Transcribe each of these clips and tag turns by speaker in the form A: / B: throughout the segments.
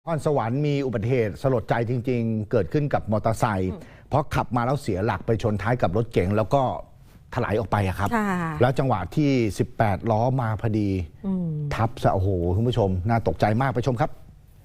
A: นครสวรรค์มีอุบัติเหตุสลดใจจริงๆเกิดขึ้นกับมอเตอร์ไซค์เพราะขับมาแล้วเสียหลักไปชนท้ายกับรถเก๋งแล้วก็ถลายออกไปครับแล้วจังหวะที่18ล้อมาพอดีทับซะโอ้โหคุณผู้ชมน่าตกใจมากไปชมครับ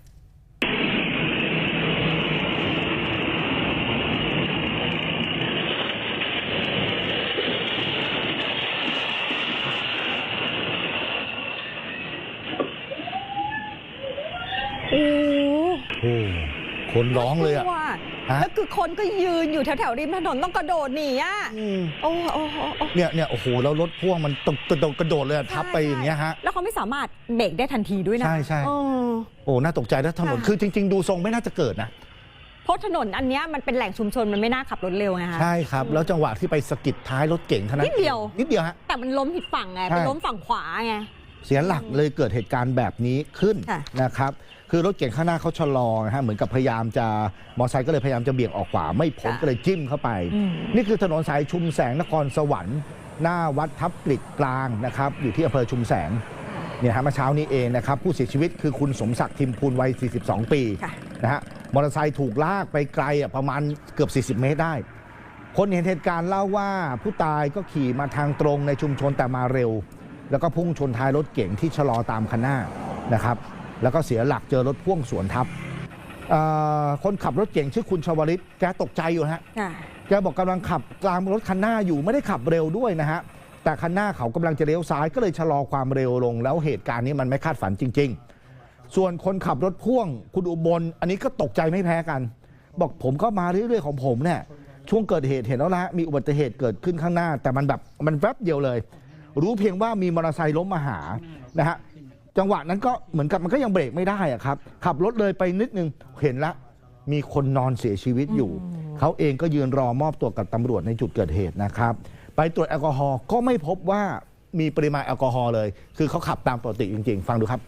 B: โอ้
A: คนร้องเลยอะ
B: แล้วคือคนก็ยืนอยู่แถวๆริมถนนต้องกระโดดหนีอ่ะโอ้
A: เนี่ยโอ้โหแล้วรถพ่วงมันตกกระโดดเลยทับไปอย่างเงี้ยฮะ
B: แล้วเขาไม่สามารถเบรกได้ทันทีด้วยนะ
A: ใช่โอ้น่าตกใจนะถนนคือจริงๆดูทรงไม่น่าจะเกิดนะ
B: เพราะถนนอันนี้มันเป็นแหล่งชุมชนมันไม่น่าขับรถเร็วไงคะ
A: ใช่ครับแล้วจังหวะที่ไปสะกิดท้ายรถเก๋งเท่านั้น
B: นิดเดียว
A: ฮะ
B: แต่มันล้มผิดฝั่งไงไปล้มฝั่งขวาไง
A: เสียหลักเลยเกิดเหตุการณ์แบบนี้ขึ้นนะครับคือรถเก่งข้างหน้าเขาชะลอนะฮะเหมือนกับพยายามจะมอเตอร์ไซค์ก็เลยพยายามจะเบี่ยงออกขวาไม่พ้นก็เลยจิ้มเข้าไปนี่คือถนนสายชุมแสงนครสวรรค์หน้าวัดทับปลิกกลางนะครับอยู่ที่อำเภอชุมแสงเนี่ยฮะเมื่อเช้านี้เองนะครับผู้เสียชีวิตคือคุณสมศักดิ์ทิมพูลวัย42 ปีนะฮะมอเตอร์ไซค์ถูกลากไปไกลประมาณเกือบ40 เมตรได้คนเห็นเหตุการณ์เล่าว่าผู้ตายก็ขี่มาทางตรงในชุมชนแต่มาเร็วแล้วก็พุ่งชนท้ายรถเก๋งที่ชะลอตามคันหน้านะครับแล้วก็เสียหลักเจอรถพ่วงสวนทับคนขับรถเก๋งชื่อคุณชวลิตแกตกใจอยู่ฮะแกบอกกำลังขับกลางรถคันหน้าอยู่ไม่ได้ขับเร็วด้วยนะฮะแต่คันหน้าเขากำลังจะเลี้ยวซ้ายก็เลยชะลอความเร็วลงแล้วเหตุการณ์นี้มันไม่คาดฝันจริงๆส่วนคนขับรถพ่วงคุณอุบลอันนี้ก็ตกใจไม่แพ้กันบอกผมก็มาเรื่อยๆของผมเนี่ยช่วงเกิดเหตุเห็นแล้วนะมีอุบัติเหตุเกิดขึ้นข้างหน้าแต่มันแวบเดียวเลยรู้เพียงว่ามีมอเตอร์ไซค์ล้มมาหานะฮะจังหวะนั้นก็เหมือนกับมันก็ยังเบรกไม่ได้อะครับขับรถเลยไปนิดนึงเห็นละมีคนนอนเสียชีวิตอยู่เขาเองก็ยืนรอมอบตัวกับตำรวจในจุดเกิดเหตุนะครับไปตรวจแอลกอฮอล์ก็ไม่พบว่ามีปริมาณแอลกอฮอล์เลยคือเขาขับตามปกติจริงๆฟังดูครับ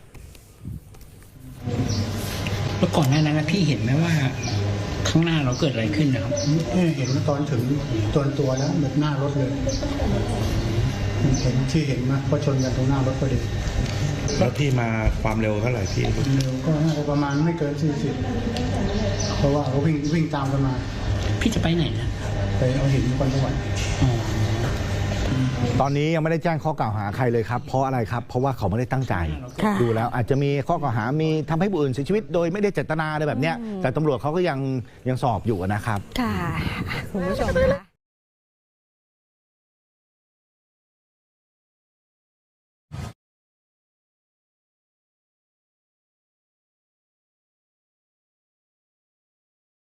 C: แล้วก่อนหน้านั้นพี่เห็นไหมว่าข้างหน้าเราเกิดอะไรขึ้นนะครับ
D: เห็นตอนถึงตัวแล้วเหมือนหน้ารถเลยเห็นที่เห็นมาเพราะชนกันตรงหน้ารถพอดี
E: แล้วพี่มาความเร็วเท่าไหร่พี่
D: เร็วก็น่าจะประมาณไม่เกิน40เพราะว่าเขาวิ่งตามกันมา
C: พี่จะไปไหนนะ
D: ไปเอาหินนครสวรรค์
A: ตอนนี้ยังไม่ได้แจ้งข้อกล่าวหาใครเลยครับเพราะอะไรครับเพราะว่าเขาไม่ได้ตั้งใจดูแล้วอาจจะมีข้อกล่าวหามีทำให้ผู้อื่นเสียชีวิตโดยไม่ได้เจตนาอะไรแบบนี้แต่ตำรวจเขาก็ยังสอบอยู่นะครับ
B: ค่ะคุณผู้ชม